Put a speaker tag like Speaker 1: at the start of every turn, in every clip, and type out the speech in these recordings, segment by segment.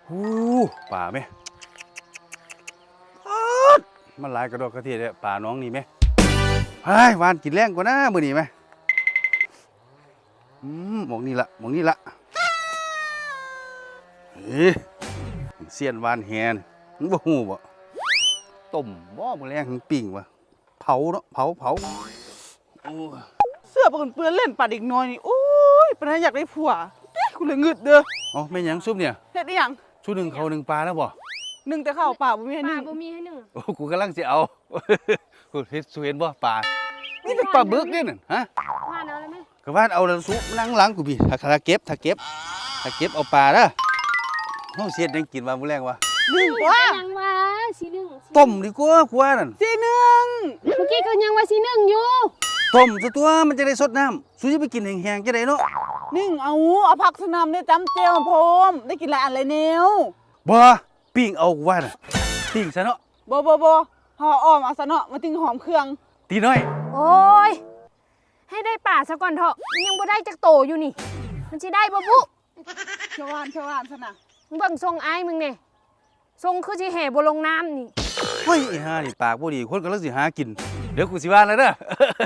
Speaker 1: หูป่าไหมมันหลายกระโดดกระเทียดเลยป่าน้องนี่ไหมเฮ้ยวานกินแรงกว่านะมื้อนี้ไหมหมองนี่ละหมองนี่ละเสียนวานแฮนมึงบ่ฮู้บ่ต้มบ่มื้อแรงถึงปิ้งวะเผาเนาะเผาโอ้
Speaker 2: เสื้อปนเปื้อนเล่นปัดอีกน้อยนี่โอ้ยปานอยากได้ผัวกูเลยงึดเด้อ
Speaker 1: อ๋อแม่หยังซุปเนี่ย
Speaker 2: เฮ็ดได้หยัง
Speaker 1: ชุดหนึ่งเขาหนึ่งปลาแล้วบ่
Speaker 2: หนึ่งแต่ข้าวเปล่าบ่มีให้หนึ่ง
Speaker 3: บ่มีให้หนึ่ง
Speaker 1: โอ้กูกำลังจะเอากูเห็นบ่ปลานี่เป็นปลาบึกเนี่ยน่ะฮะ
Speaker 3: ว่าเอาแล้วมั้ย
Speaker 1: ก็ว่าเอาแล้วซุปนั่งหลังกูพี่ถ้าเก็บเอาปลาเด้อเฮาเสียดยังกินว่ามื้อแรงวะ
Speaker 2: หนึ่งว่า
Speaker 3: ยังว่าสิหนึ่ง
Speaker 1: ต้มดีกว่ากูว่านั่น
Speaker 2: สิหนึ่ง
Speaker 3: เมื่อกี้ก็ยังว่าสิหนึ่งอยู่
Speaker 1: ต้มซะตัวมันจะได้สดน้ำสู้จะไปกินแห้งๆจะได้เนาะ
Speaker 2: หนึ่งเอาผักสนามได้จำเจียวพร้อมได้กินหลายอันเลยแนว
Speaker 1: บ่ปิ้งเอากูว่าน่ะปิ้งซะเนาะ
Speaker 2: บ่ห่ออ้อมเอาซะเนาะมาติ้งหอมเครื่อง
Speaker 1: ตีน้อย
Speaker 3: โอ้ยให้ได้ป่าซะก่อนเถอะยังบ่ได้จักโตอยู่นี่มันสิได้บ่บุ
Speaker 2: เขียวหวานซะนะ
Speaker 3: มึงเบิ่งทรงอ้ายมึงนี่ทรงคือสิแห่บ่ลงน้ำนี่
Speaker 1: เฮ้ยไอ้ห่านี่ปากบ่ดีคนกำลังสิหากินเดี๋ยวกูสิว่าแล้วเด้อ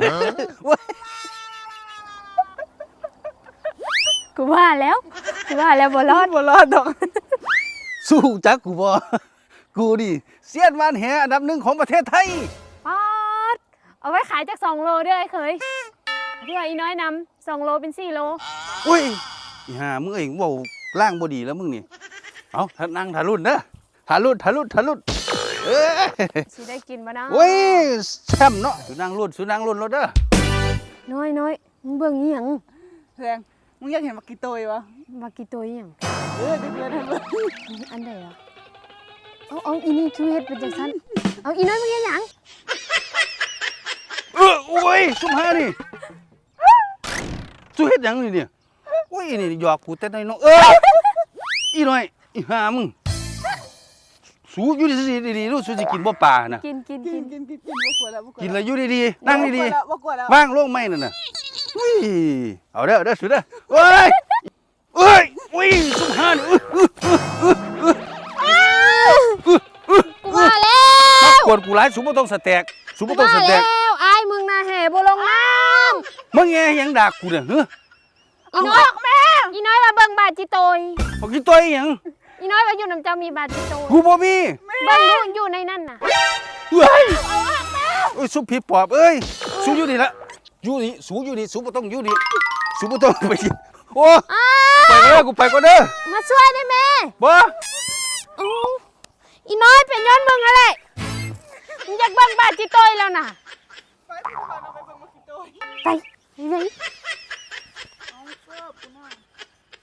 Speaker 3: กูว่าแล้วบ่รอด
Speaker 2: ดอก
Speaker 1: สู้จักกูบ่กูดิเซียนวานแหอันดับหนึ่งของประเทศไทย
Speaker 3: ป๊อดเอาไว้ขายจาก2โลด้วยเคยที่ว่าอีน้อยนำ2โลเป็น4โล
Speaker 1: โอ้ยอีห่ามึงเองเว้าล่างบ่ดีแล้วมึงนี่เอาถ้านั่งทะลุนเด้อทะลุ
Speaker 3: สิได้กินบ่นะ
Speaker 1: โอ้ยแช่มเนาะสุนั่งรุ่นรถเด้อ
Speaker 3: น้อยมึงเบิ่งอีหยัง
Speaker 2: แซงมึงอยากเห็นมักกี่ตัววะ
Speaker 3: มากี่ตัวอีหยัง
Speaker 2: เด็กเลย
Speaker 3: อันใดอ่ะเอาอีนี่คือเฮ็ดเป็นจังซั่นเอาอีน้อยมึงเฮ็ดหยัง
Speaker 1: โอ้ยซุ่มหานี่สู้เฮ็ดหยังนี่เนี่ยโอ้ยนี่หยอกกูแต่น้อยอีน้อยอีห่ามึงสู้อยู่ดีๆรู้สู้สิกินบ่ปลาน่ะ
Speaker 3: กิน
Speaker 2: บ่กลัวแล้ว
Speaker 1: กินแล้วอยู่ดีๆนั่งดี
Speaker 2: ๆ
Speaker 1: ว่างลงไม้นั่นน่ะอุ้ยเอาเด้อสู้เด้อโอ้ยอุ้ยซุ่มหานี่
Speaker 3: กูว่าแล้ว
Speaker 1: มากวนกูหลายสู้บ่ต้องสแต็ก
Speaker 3: แล้วอ้ายมึงน่ะแห่บ่ลงน้ำ
Speaker 1: มึงแย่หยังด่ากูเนี่ยเฮ้อ
Speaker 3: อีน้อยมาเบิ่งบาดจิโตย
Speaker 1: บ่กินตัวอีหยัง
Speaker 3: อีน้อยว่าอยู่น้ำเจ้ามีบาดจิโตย
Speaker 1: กูบ่มี
Speaker 3: เบิ่งอยู่ในนั่นน่ะ
Speaker 1: เฮ้ยโอ้ยสู้ผีปอบเอ้ยสู้อยู่นี่ละอยู่นี่สู้อยู่นี่สู้บ่ต้องอยู่นี่สู้บ่ต้องไปกินโอ้ไปเด้อกูไปก่อนเด้อ
Speaker 3: มาช่วยได้แม่
Speaker 1: บ่
Speaker 3: อีน้อยเป็นย้อนมึงอะไรมึงอยากเบิ่งบาดจิโตยแล้วน่ะไป